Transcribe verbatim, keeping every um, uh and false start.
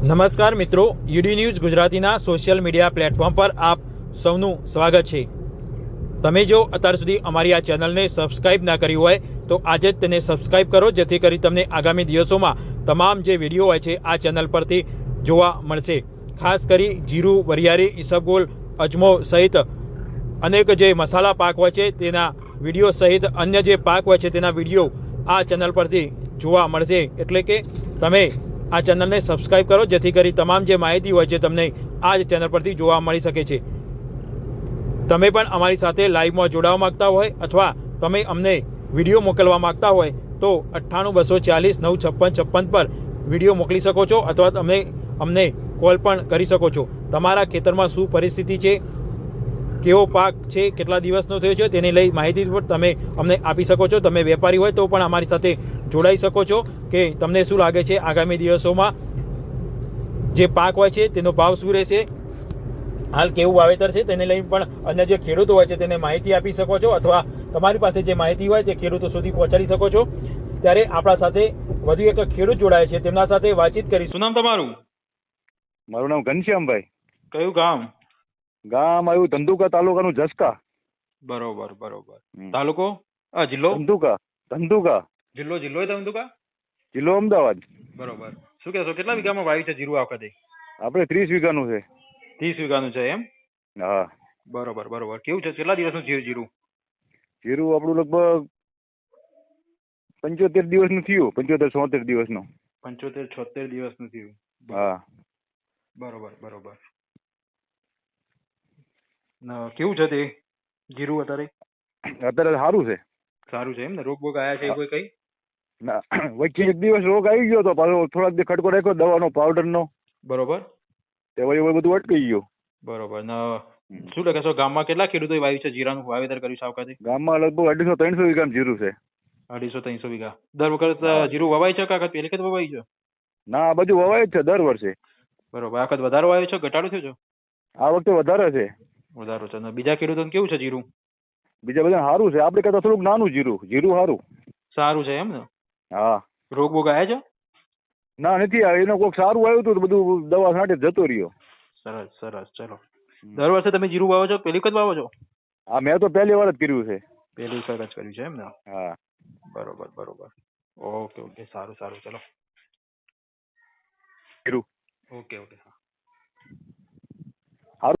નમસ્કાર મિત્રો, UD news ગુજરાતીના સોશિયલ મીડિયા પ્લેટફોર્મ પર આપ સૌનું સ્વાગત છે। તમે જો અત્યાર સુધી અમારી આ ચેનલને સબસ્ક્રાઇબ ના કરી હોય તો આજે જ તેને સબસ્ક્રાઇબ કરો, જેથી કરી તમને આગામી દિવસોમાં તમામ જે વિડીયો હોય છે આ ચેનલ પરથી જોવા મળશે। ખાસ કરી જીરું, વરિયાળી, ઈસબગોલ, અજમો સહિત અનેક જે મસાલા પાક હોય છે તેના વિડીયો સહિત અન્ય જે પાક હોય છે તેના વિડીયો આ ચેનલ પરથી જોવા મળશે। એટલે કે તમે આ ચેનલને સબસ્ક્રાઇબ કરો, જેથી કરી તમામ જે માહિતી હોય છે તમને આ જ ચેનલ પરથી જોવા મળી શકે છે। તમે પણ અમારી સાથે લાઈવમાં જોડાવા માંગતા હોય અથવા તમે અમને વિડીયો મોકલવા માંગતા હોય તો અઠ્ઠાણું બસો ચાલીસ નવ છપ્પન છપ્પન પર વિડીયો મોકલી શકો છો અથવા તમે અમને કોલ પણ કરી શકો છો। તમારા ખેતરમાં શું પરિસ્થિતિ છે, કેવો પાક છે, કેટલા દિવસનો થયો છે તેને લઈ માહિતી પણ તમે અમને આપી શકો છો। તમે વેપારી હોય તો પણ અમારી સાથે જોડાઈ શકો છો કે તમને શું લાગે છે આગામી દિવસોમાં જે પાક હોય છે તેનો ભાવ શું રહેશે, હાલ કેવું વાવેતર છે તેને લઈ પણ અન્ય જે ખેડૂતો હોય છે તેને માહિતી આપી શકો છો અથવા તમારી પાસે જે માહિતી હોય તે ખેડૂતો સુધી પહોંચાડી શકો છો। ત્યારે આપણા સાથે વધુ એક ખેડૂત જોડાય છે, તેમના સાથે વાતચીત કરીશું। શું નામ તમારું? મારું નામ ઘનશ્યામભાઈ। કયું ગામ? ગામ આવ્યું ધંધુકા, તાલુકાનું જસકા। બરોબર બરોબર। તાલુકો? આ જિલ્લો? ધંધુકા ધંધુકા જિલ્લો જિલ્લો ધંધુકા? જિલ્લો અમદાવાદ। બરોબર। શું કહેશો, કેટલા વીઘામાં વાવી છે જીરું આ વખતે? આપણે ત્રીસ વીઘાનું છે। ત્રીસ વીઘાનું છે એમ? હા। બરોબર બરોબર। કેવું છે, કેટલા દિવસનું છે જીરું? જીરું આપણું લગભગ પંચોતેર દિવસનું થયું, પંચોતેર છોતેર દિવસનું। પંચોતેર છોતેર દિવસનું થયું। હા। બરોબર બરોબર। કેવું છે તે જીરું અત્યારે? અત્યારે સારું છે। સારું છે એમ ને? રોગ બોગ આયા છે કોઈ કઈ? ના, વચ્ચે એક દિવસ રોગ આવી ગયો તો પાછો થોડાક દી ખટકો રાખ્યો દવાનો પાવડરનો। બરોબર। તે વળી બધું અટકી ગયું। બરોબર। ને શું કહેશો, ગામમાં કેટલા ખેડૂતોએ વાવ્યું છે જીરાનું વાવેતર કર્યું છે આ વખતે? ગામમાં લગભગ અઢીસો ત્રણસો વીઘાનું જીરું છે। અઢીસો ત્રણસો વીઘા। દર વખત જીરું વવાય છે કે પેલી વખત વવાય છે? ના, આ બધું વવાય જ છે દર વર્ષે। બરોબર। આ વખત વધારો આવ્યો છે, ઘટાડો થયો છે? આ વખતે વધારે છે। વધારો છે। બીજા ખેડૂતોને કેવું છે જીરું? બીજા બધા સારું છે, આપણે કરતા થોડુંક નાનું જીરું જીરું સારું સારું છે એમ ને? હા। રોગ બોગ આયા છે? ના, નથી આવ્યો। એનો કોઈક સારું આવ્યું હતું તો બધું દવા છાંટે જતો રહ્યો। સરસ સરસ। ચલો, દર વર્ષે તમે જીરું વાવો છો, પેલી વખત વાવો છો? હા, મેં તો પહેલી વાર જ કર્યું છે। પહેલી વખત જ કર્યું છે એમ ને? હા। બરોબર બરોબર। ઓકે ઓકે, સારું સારું, ચલો। કર્યું। Okay okay.